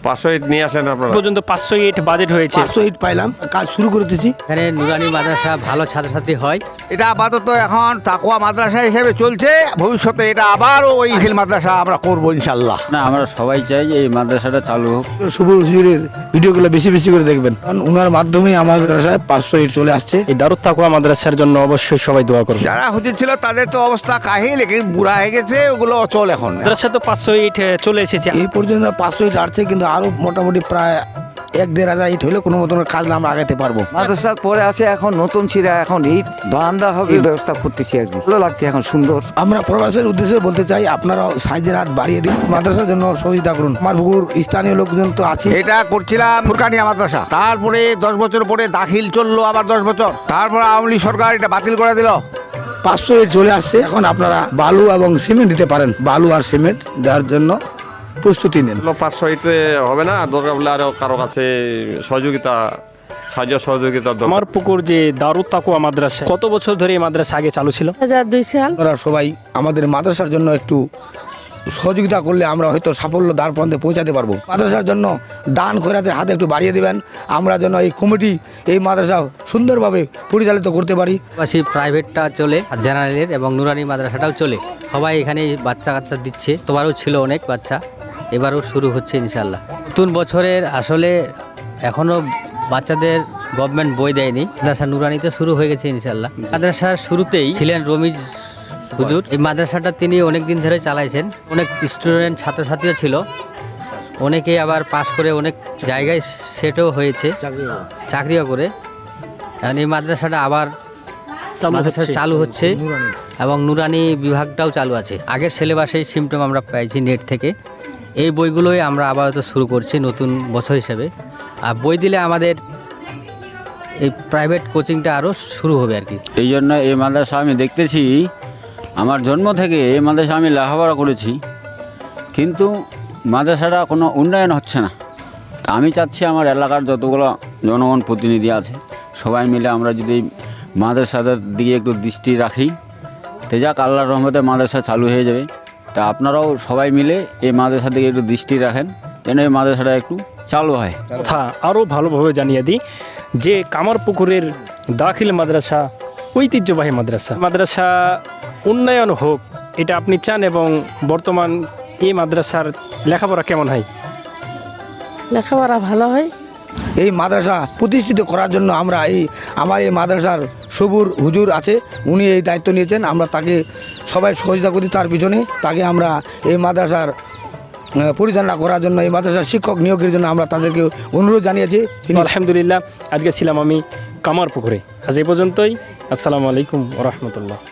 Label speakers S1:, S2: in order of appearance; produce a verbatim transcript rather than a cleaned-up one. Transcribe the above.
S1: পাঁচশো ইট নিয়ে আসেন আপনারা।
S2: পর্যন্ত পাঁচশো ইট বাজেট হয়েছে।
S3: পাঁচশো ইট পাইলাম, কাজ শুরু করে দিয়েছি।
S4: এখানে নুরানি মাদ্রাসা ভালো ছাত্রছাত্রী হয়।
S5: এটা আপাতত এখন তাকওয়া মাদ্রাসা হিসেবে চলছে, ভবিষ্যতে এটা আবারও ওই হিল মাদ্রাসা আমরা করবো ইনশাল্লাহ।
S6: না, আমরা সবাই চাই এই মাদ্রাসাটা চালু হোক।
S3: সবুর হুজুরের ভিডিওগুলো বেশি বেশি করে দেখবেন, কারণ ওনার মাধ্যমে আমার মাদ্রাসায় পাঁচশো ইট চলে আসছে।
S2: এই দারুত তাকওয়া মাদ্রাসার জন্য অবশ্যই সবাই দোয়া করুন।
S5: যারা হুজুর ছিল তাদের তো অবস্থা কাহিল, লেকিন বুড়া হয়ে গেছে, ওগুলো চল এখন।
S2: মাদ্রাসা তো পাঁচশো ইট চলে এসেছে।
S3: এই পর্যন্ত পাঁচশো ইট আসছে, কিন্তু আরো মোটামুটি প্রায় এক দেড় হাজার ইট হলে কোনো মতন কাজ আমরা আগাতে পারবো।
S7: মাদ্রাসার পরে আছে এখন নতুন ছিঁড়া, এখন ইট বারান্দা হবে ব্যবস্থা করতেছি আর কি। ভালো লাগছে, এখন সুন্দর।
S3: আমরা প্রবাসের উদ্দেশ্যে বলতে চাই, আপনারা সাইজের হাত বাড়িয়ে দিন, মাদ্রাসার জন্য সহযোগিতা করুন। আমার পুকুর স্থানীয় লোকজন তো আছে।
S5: এটা করছিলাম ফুরকানিয়া মাদ্রাসা, তারপরে দশ বছর পরে দাখিল চললো আবার দশ বছর, তারপর আওয়ামী লীগ সরকার এটা বাতিল করে দিল।
S3: পাঁচশো ইট চলে আসছে, এখন আপনারা বালু এবং সিমেন্ট দিতে পারেন। বালু আর সিমেন্ট দেওয়ার জন্য প্রস্তুতি নেন।
S1: পাঁচশো ইটে হবে না, দরকার বলে আরো কারো কাছে সহযোগিতা সাহায্য সহযোগিতা দরকার।
S2: আমার পুকুর যে দারুত তাকওয়া মাদ্রাসা, কত বছর ধরে এই মাদ্রাসা আগে চালু ছিল?
S8: হাজার দুই সাল।
S3: আপনারা সবাই আমাদের মাদ্রাসার জন্য একটু সহযোগিতা করলে আমরা হয়তো সাফল্য দ্বার প্রান্তে পৌঁছাতে পারবো। মাদ্রাসার জন্য দান খয়রাতের হাতে একটু বাড়িয়ে দিবেন, আমরা যেন এই কমিটি এই মাদ্রাসা সুন্দরভাবে পরিচালিত করতে পারি।
S4: পাশাপাশি প্রাইভেটটা চলে, জেনারেলের এবং নুরানি মাদ্রাসাটাও চলে। সবাই এখানে বাচ্চা কাচ্চা দিচ্ছে, তোবারও ছিল অনেক বাচ্চা, এবারও শুরু হচ্ছে ইনশাল্লাহ। নতুন বছরের আসলে এখনও বাচ্চাদের গভর্নমেন্ট বই দেয়নি। মাদ্রাসা নুরানিতে শুরু হয়ে গেছে ইনশাল্লাহ। মাদ্রাসার শুরুতেই ছিলেন রমিজ হুজুর। এই মাদ্রাসাটা তিনি অনেক দিন ধরে চালাইছেন, অনেক স্টুডেন্ট ছাত্রছাত্রীও ছিল, অনেকেই আবার পাশ করে অনেক জায়গায় সেটও হয়েছে, চাকরিও করে। এখন এই মাদ্রাসাটা আবার মাদ্রাসা চালু হচ্ছে এবং নুরানি বিভাগটাও চালু আছে। আগের সিলেবাসেই সিমটম আমরা পাইছি নেট থেকে। এই বইগুলোই আমরা আপাতত শুরু করছি নতুন বছর হিসেবে। আর বই দিলে আমাদের এই প্রাইভেট কোচিংটা আরও শুরু হবে আর কি।
S6: এই জন্য এই মাদ্রাসা আমি দেখতেছি, আমার জন্ম থেকে এই মাদ্রাসা আমি লেখাপড়া করেছি, কিন্তু মাদ্রাসাটা কোনো উন্নয়ন হচ্ছে না। তা আমি চাচ্ছি আমার এলাকার যতগুলো জনগণ প্রতিনিধি আছে সবাই মিলে আমরা যদি মাদ্রাসাদের দিকে একটু দৃষ্টি রাখি, তো যাক আল্লাহর রহমতে মাদ্রাসা চালু হয়ে যাবে। তা আপনারাও সবাই মিলে এই মাদ্রাসার দিকে একটু দৃষ্টি রাখেন, যেন এই মাদ্রাসাটা একটু চালু হয়।
S2: কথা আরও ভালোভাবে জানিয়ে দিই যে কামারপুকুরের দাখিল মাদ্রাসা ঐতিহ্যবাহী মাদ্রাসা। মাদ্রাসা উন্নয়ন হোক এটা আপনি চান, এবং বর্তমান এই মাদ্রাসার লেখাপড়া কেমন হয়?
S8: লেখাপড়া ভালো হয়।
S3: এই মাদ্রাসা প্রতিষ্ঠিত করার জন্য আমরা এই আমার এই মাদ্রাসার সবুর হুজুর আছে, উনি এই দায়িত্ব নিয়েছেন। আমরা তাকে সবাই সহযোগিতা করি তার পিছনে। তাকে আমরা এই মাদ্রাসার পরিচালনা করার জন্য, এই মাদ্রাসার শিক্ষক নিয়োগের জন্য আমরা তাদেরকে অনুরোধ জানিয়েছি।
S2: আলহামদুলিল্লাহ, আজকে ছিলাম আমি কামারপুকুরে। আজ এই পর্যন্তই। আসসালামু আলাইকুম ওয়া রাহমাতুল্লাহ।